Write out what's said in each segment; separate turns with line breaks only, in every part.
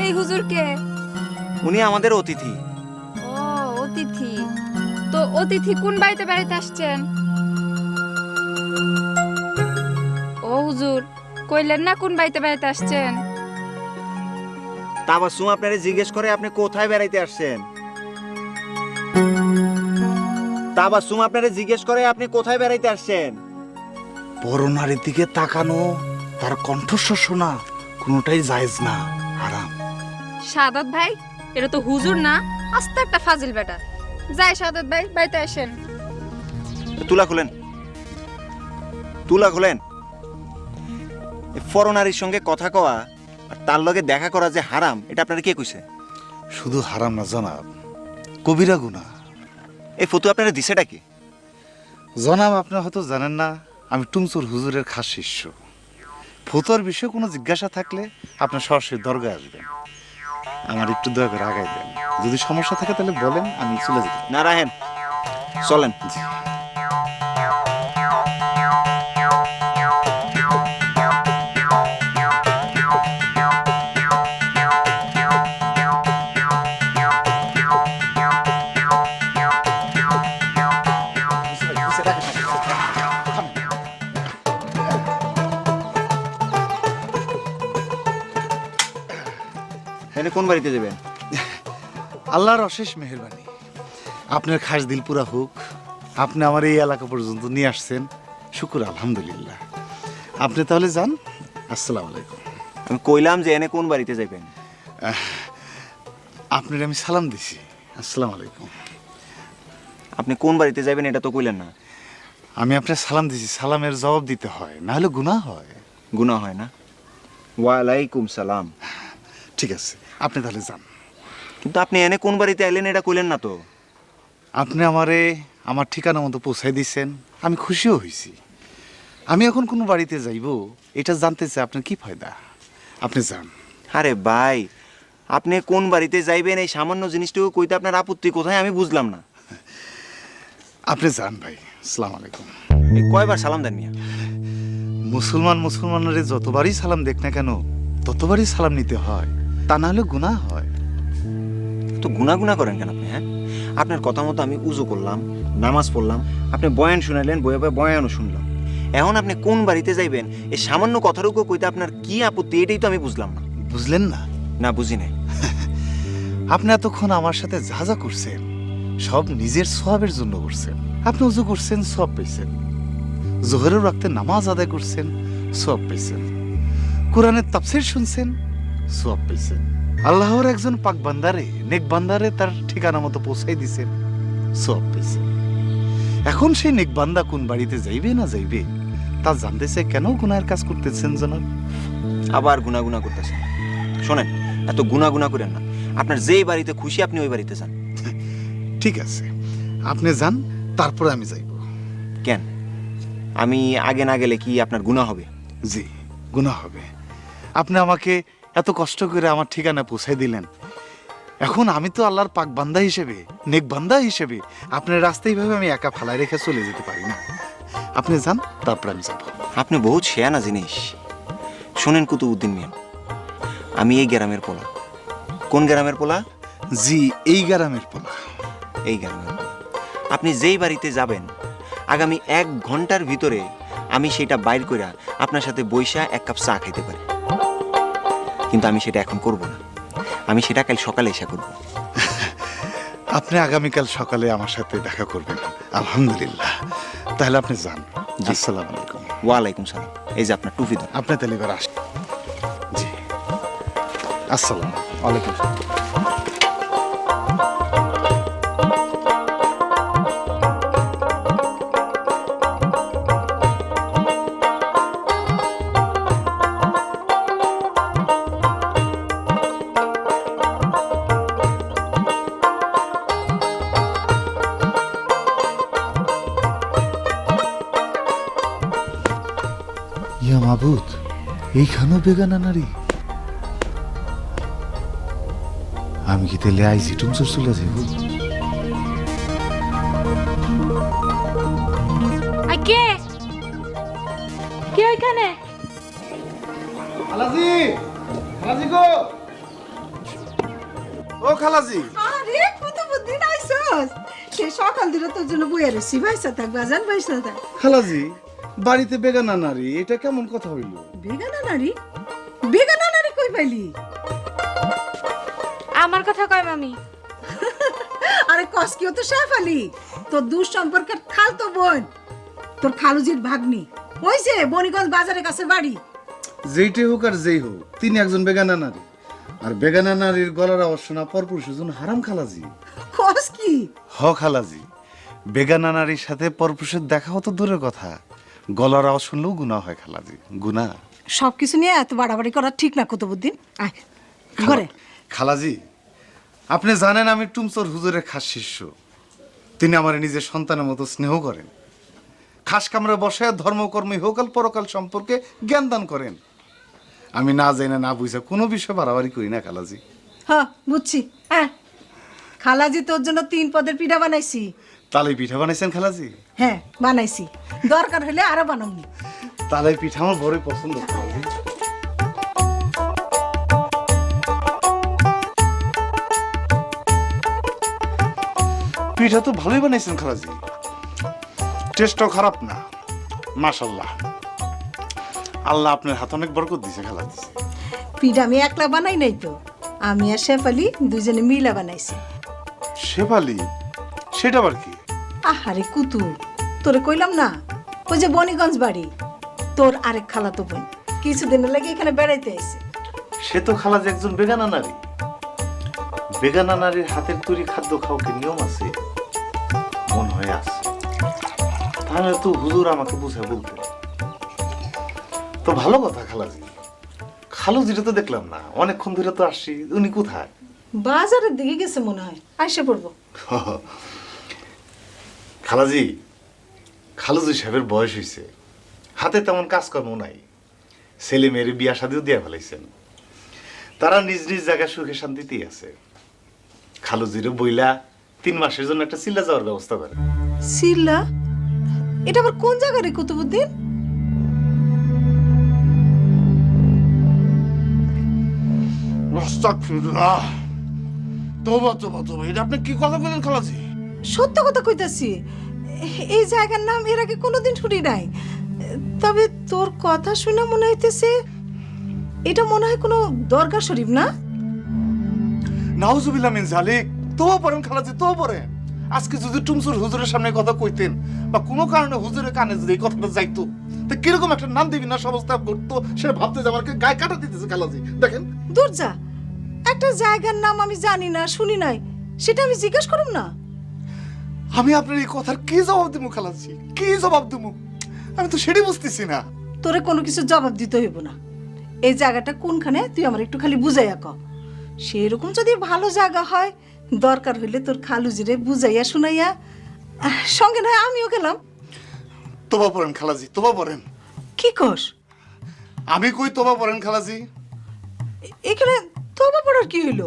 এই হুজুরকে?
উনি আমাদের অতিথি।
ও অতিথি। তো অতিথি কোন বাড়িতে বেড়াইতে আসছেন? ও হুজুর, কইলেন না কোন বাড়িতে বেড়াইতে আসছেন?
তাবাসসুম আপনারে জিজ্ঞেস করে আপনি কোথায় বেড়াইতে আসছেন। তাবাসসুম আপনারে জিজ্ঞেস করে আপনি কোথায় বেড়াইতে আসছেন।
বড় নারীর দিকে তাকানো, তার কণ্ঠস্বর শোনা কোনোটাই জায়েজ না, হারাম।
সাদত ভাই, এটা তো হুজুর না, আস্তে একটা ফাজিল বেটা। যাই সাদত ভাই, বাড়িতে আসেন।
তুলা খুলেন, তুলা খুলেন। ফরনারীর সঙ্গে কথা কওয়া আর তার লগে দেখা করা যে হারাম, এটা আপনারা কে কইছে?
শুধু হারাম না জনাব, কবিরা গুনাহ।
এই ফতু আপনারা দিছেটা কি?
জনাব, আপনারা হয়তো জানেন না, আমি টুমচুর হুজুরের খাস শিষ্য। ফতোয়ার বিষয়ে কোনো জিজ্ঞাসা থাকলে আপনার সরাসরি দরগায় আসবেন। আমার একটু দয়া করে আগাই দেন, যদি সমস্যা থাকে তাহলে বলেন, আমি চলে যেতে।
না রাহেন, চলেন।
জি।
এনে কোন বাড়িতে যাবেন?
আল্লাহর অশেষ মেহেরবানি, আপনার খাস দিল পুরা হোক। আপনি আমার এই এলাকা পর্যন্ত নিয়ে আসছেন, শুকুর আলহামদুলিল্লাহ। আপনি তাহলে যান। আসসালামু আলাইকুম।
আমি কইলাম যে এনে কোন বাড়িতে যাবেন।
আপনার আমি সালাম দিছি। আসসালামু আলাইকুম।
আপনি কোন বাড়িতে যাবেন এটা তো কইলেন না।
আমি আপনার সালাম দিছি, সালামের জবাব দিতে হয়, না হলে গুনাহ হয়।
গুনাহ হয় না? ওয়ালাইকুম সালাম।
ঠিক আছে, আপনি তাহলে যান।
কিন্তু আপনি এনে কোন বাড়িতে আইলেন এটা কইলেন না তো।
আপনি আমারে আমার ঠিকানা মতো পৌঁছাই দিয়েছেন, আমি খুশিও হয়েছি। আমি এখন কোনো বাড়িতে যাইব এটা জানতে চাই আপনার কি ফায়দা। আপনি যান।
আরে ভাই, আপনি কোন বাড়িতে যাইবেন এই সামান্য জিনিসটুকু কইতে আপনার আপত্তি কোথায় আমি বুঝলাম না।
আপনি যান ভাই। আসসালামু আলাইকুম।
এই কয়বার সালাম দেন মিয়া?
মুসলমানের যতবারই সালাম দেখ না কেন, ততবারই সালাম নিতে হয়, তা না হলে গুনাহ হয়।
তো গুনাগুনা করেন কেন আপনি? হ্যাঁ, আপনার কথা মতো আমি উজু করলাম, নামাজ পড়লাম, আপনি বয়ান শুনাইলেন, বয়ে বয়ে বয়ানও শুনলাম। এখন আপনি কোন বাড়িতে যাইবেন এই সামান্য কথাটুকু কইতে আপনার কি আপত্তি, এটাই তো আমি বুঝলাম না।
বুঝলেন না?
না, বুঝি নাই।
আপনি এতক্ষণ আমার সাথে যা যা করছেন সব নিজের সওয়াবের জন্য করছেন। আপনি উজু করছেন, সওয়াব পাইছেন। জোহরের ওয়াক্তে নামাজ আদায় করছেন, সওয়াব পাইছেন। কোরআনের তাফসীর শুনছেন, সওয়াব পাইছেন। আল্লাহর একজন পাক বান্দারে, নেক বান্দারে তার ঠিকানা মতো পৌঁছাই দিছেন, সওয়াব পাইছেন। এখন সেই নেক বান্দা কোন বাড়িতে যাইবে না যাইবে তা জানতে চাই, কেন গুনাহের কাজ করতেছেন জনাব?
আবার গুনাগুনা করতেছেন। শোনেন, এত গুনাগুনা করেন না। আপনার যেই বাড়িতে খুশি আপনি ওই বাড়িতে যান।
ঠিক আছে, আপনি যান, তারপরে আমি যাইব।
কেন? আমি আগে না গেলে কি আপনার গুনাহ হবে?
জি, গুনাহ হবে। আপনি আমাকে এত কষ্ট করে আমার ঠিকানা পৌঁছাই দিলেন। এখন আমি তো আল্লাহর পাক বান্দা হিসেবে, নেক বান্দা হিসেবে আপনার রাস্তায় ভাবে আমি একা ফালাই রেখে চলে যেতে পারি না। আপনি যান, তারপর আমি যাব।
আপনি বহুত শেয়ানা জিনিস। শোনেন কুতুবউদ্দিন মিয়া, আমি এই গ্রামের পোলা। কোন গ্রামের পোলা?
জি, এই গ্রামের পোলা।
এই গ্রামের পোলা। আপনি যেই বাড়িতে যাবেন আগামী 1 ঘন্টার ভিতরে আমি সেটা বাইর করে আপনার সাথে বইসা 1 কাপ চা খেতে পারি। কিন্তু আমি সেটা এখন করব না, আমি সেটা কাল সকালে এসে করব।
আপনি আগামীকাল সকালে আমার সাথে দেখা করবেন। আলহামদুলিল্লাহ। তাহলে আপনি যান। আসসালামু আলাইকুম।
ওয়ালাইকুম সালাম। এই যে আপনার টুপি দেন।
আপনি তাহলে এবার আসেন। জি, আসসালাম
ওয়ালাইকুম সালাম।
ইয়া মাবুদ, এইখানেও বেগানা নারী। আমি কি তাহলে আইজি টুমচুর চলে যাইব?
কে কে ওইখানে?
আলাজি, আলাজি গো, ও খালাজি,
আরে কুতুবুদ্দিন আইছস সে সকাল ধরে তোর জন্য বইয়া রয়েছি ভাইসা থাক বাজান ভাইসা থাক।
খালাজি বাড়িতে বেগানা নারী, এটা কেমন কথা হইল?
বেগানা নারী? বেগানা নারী কই পাইলি?
আমার কথা কয় মামি।
আরে কসকিও তো শেফালি, তোর দূর সম্পর্কের খালতো বোন, তোর খালুজির ভাগ্নি। ওই যে বনিগঞ্জ বাজারের কাছে বাড়ি।
যেইটাই হোক আর যেই হোক, তিনি একজন বেগানা নারী। আর বেগানা নারীর গলার আওয়াজ শোনা পরপুরুষের জন্য হারাম খালাজি।
কস কি?
হ খালাজি, বেগানা নারীর সাথে পরপুরুষের দেখা হতো দূরের কথা, গলার আওয়াজ শুনলেও গুনাহ হয় খালাজি, গুনাহ।
সবকিছু নিয়ে এত বাড়াবাড়ি করা ঠিক না কুতুবুদ্দিন। আয় ঘরে।
খালাজি, আপনি জানেন আমি টুমচোর হুজুরের খাস শিষ্য। তিনি আমার নিজের সন্তানের মতো স্নেহ করেন, খাস কামরে বসে ধর্মকর্ম ইহকাল পরকাল সম্পর্কে জ্ঞান দান করেন। আমি না জানি না বুঝে কোনো বিষয় বাড়াবাড়ি করি না খালাজি।
হ্যাঁ বুঝছি। হ্যাঁ খালাজি তোর জন্য 3 পদের পিঠা বানাইছি।
তালে পিঠা বানাইছেন খালাজি?
হ্যাঁ বানাইছি, দরকার হলে আরো বানাবনি।
তালে পিঠা আমার বড়ই পছন্দ খালাজি। পিঠা তো ভালোই বানাইছেন খালাজি, টেস্টও খারাপ না, মাশাআল্লাহ। আল্লাহ আপনার হাতে অনেক বরকত দিয়েছে খালাজি।
পিঠা আমি একলা বানাই নাই তো, আমি আর শেফালি দুজনে মিলা বানাইছি।
শেফালি? সেটা আবার কি?
আহারে কুতু, তোরে কইলাম না ওই যে বনিগঞ্জ বাড়ি, তোর আরেক খালাতো বোন কিছুদিনের লাগে এখানে বেড়াইতে এসে।
সে তো খালাজি একজন বেগানা নারী। বেগানা নারীর হাতের তৈরি খাদ্য খাওয়া কি নিয়ম আছে? মন হয়ে আছে, তাহলে তো হুজুর আমাকে বুঝে বলতে। তো ভালো কথা খালাজি। খালুজিটা তো দেখলাম না, অনেকক্ষণ ধরে তো আসছি, উনি কোথায়?
বাজারের দিকে গেছে মনে হয়, আইসে পড়বো।
খালাজি, খালুজি সাহেবের বয়স হয়েছে, হাতে তেমন কাজকর্ম নাই, ছেলে মেয়ের বিয়া শাদিও দিয়া ফেলাইছেন, তারা নিজ নিজ জায়গায় সুখে শান্তিতেই আছে। খালুজিরও বইলা 3 মাসের জন্য একটা সিল্লা যাওয়ার ব্যবস্থা করে।
সিল্লা? এটা আবার কোন জায়গা রে কুতুবুদ্দিন?
আস্তাগফিরুল্লাহ, তওবা তওবা তওবা, এটা আপনি কি কথা বলেন খালাজি?
সত্য কথা কইতাছি, এই জায়গার নাম এর আগে কোনোদিন শুনি নাই। তবে তোর কথা শুনে মনে হইতেছে এটা মনে হয় কোনো দরগা শরীফ, না?
নাউজুবিল্লাহ মিন জালিক। তওবা পড়েন খালাজি, তওবা পড়েন। আজকে যদি টুমসুর হুজুরের সামনে কথা কইতেন বা কোনো কারণে হুজুরের কানে যদি এই কথাটা যাইতো, তো কিরকম একটা নাম দিবি না অবস্থা করতো, সেটা ভাবতে যে আমাকে গায়ে কাটা দিতেছে খালাজি। দেখেন,
দূর যা, একটা জায়গার নাম আমি জানি না শুনি নাই, সেটা আমি জিজ্ঞেস করুম না?
আমি আপনার এই কথার কি জবাব দেবো খালাজি, কি জবাব দেবো? আমি তো সেটাই বুঝতেছি না।
তোরে কোনো কিছু জবাব দিতে হইব না। এই জায়গাটা কোনখানে তুই আমার একটু খালি বুঝাইয়া ক। সেরকম যদি ভালো জায়গা হয়, দরকার হইলে তোর খালুজিরে বুঝাইয়া শুনাইয়া সঙ্গে নয় আমিও গেলাম।
তোবা পড়েন খালাজি, তোবা পড়েন।
কি কস?
আমি কই তোবা পড়েন খালাজি।
এখানে তোবা পড়ার কি হইলো?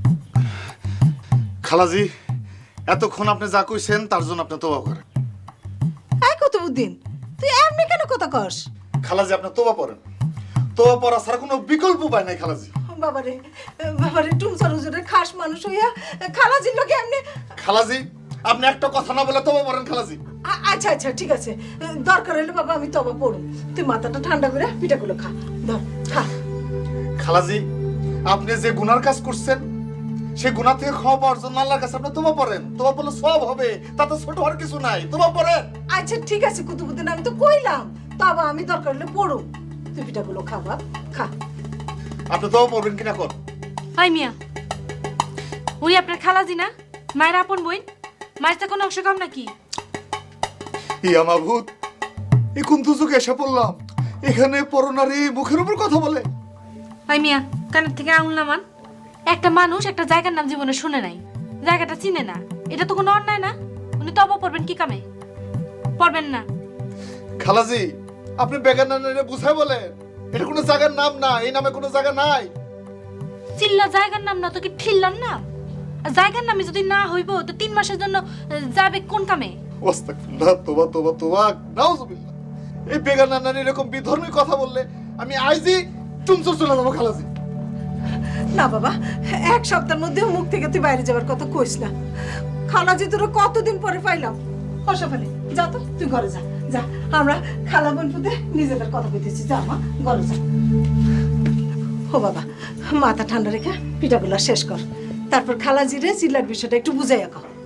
খালাজি, এতক্ষণ আপনি যা কইছেন তার জন্য আপনি তোবা করেন।
এই কুতুবুদ্দিন, তুই এমনি কেন কথা কস?
খালাজি, আপনি তোবা পড়েন। তোবা পড়া ছাড়া কোনো বিকল্প উপায় নাই খালাজি।
বাবারে বাবারে, টুমসার হুজুরের খাস মানুষ হইয়া খালাজির লোকে এমনি।
খালাজি, আপনি একটা কথা না বলে তোবা পড়েন খালাজি।
আচ্ছা আচ্ছা ঠিক আছে, দরকার হইলে বাবা আমি তবা পড়ুম। তুই মাথাটা ঠান্ডা করে পিঠাগুলো খা, ধর খা।
খালাজি, আপনি যে গুনার কাজ করছেন, সেই গুনাহ থেকে ক্ষমা পাওয়ার জন্য আল্লাহর কাছে আপনি তোবা পড়েন। তোবা পড়লে সওয়াব হবে, তাতে ছোট হওয়ার কিছু নাই। তোবা পড়েন।
আচ্ছা ঠিক আছে কুতুবুদ্দিন, আমি তো কইলাম তবা আমি দরকার হলে পড়ুম। তুই পিঠাগুলো খা বাপ, খা।
আপনি তোবা পড়বেন কিনা কর।
হাই মিয়া, উনি আপনার খালাজি না? মায়ের আপন বোন? মায়ের তো কোনো অংশ কম নাকি?
ইয়া মাবুদ, এই কোন দুজকে এসে পড়লাম? এখানে পরনারী মুখের উপর কথা বলে।
হাই মিয়া, কানের থেকে আঙুল নামান। একটা মানুষ একটা জায়গার নাম জীবনে শুনে নাই, জায়গাটা চিনে না, এটা তো কোনো অন্যায় না? উনি তবা পড়বেন কি কামে? পড়বেন না।
খালাজি, আপনি বেগানা নারীরে বুঝাই বলেন, এটা কোনো জায়গার নাম না, এই নামে কোনো জায়গা নাই।
চিল্লা জায়গার নাম না তো কি ঠিল্লার নাম? আর জায়গার নামে যদি না হইব তো 3 মাসের জন্য যাবে কোন কামে?
আস্তাগফিরুল্লাহ, তোবা তোবা তোবা, নাউজুবিল্লাহ। এই বেগানা নারী এরকম বিধর্মী কথা বললে আমি আইজি টুমচুর চলে যাবো খালাজি।
না বাবা, এক সপ্তাহের মধ্যে মুখ থেকে তুই বাইরে যাবার কথা কইস না। খালাজি তোরা কতদিন পরে পাইলাম। হসা ফেলে যা তো, তুই ঘরে যা যা। আমরা খালা বোন পুতে নিজেদের কথা কইতেছি, যা মা ঘরে যা। ও বাবা, মাথা ঠান্ডা রেখে পিঠাগুলা শেষ কর, তারপর খালাজিরে চিল্লার বিষয়টা একটু বুঝাইয়া কর।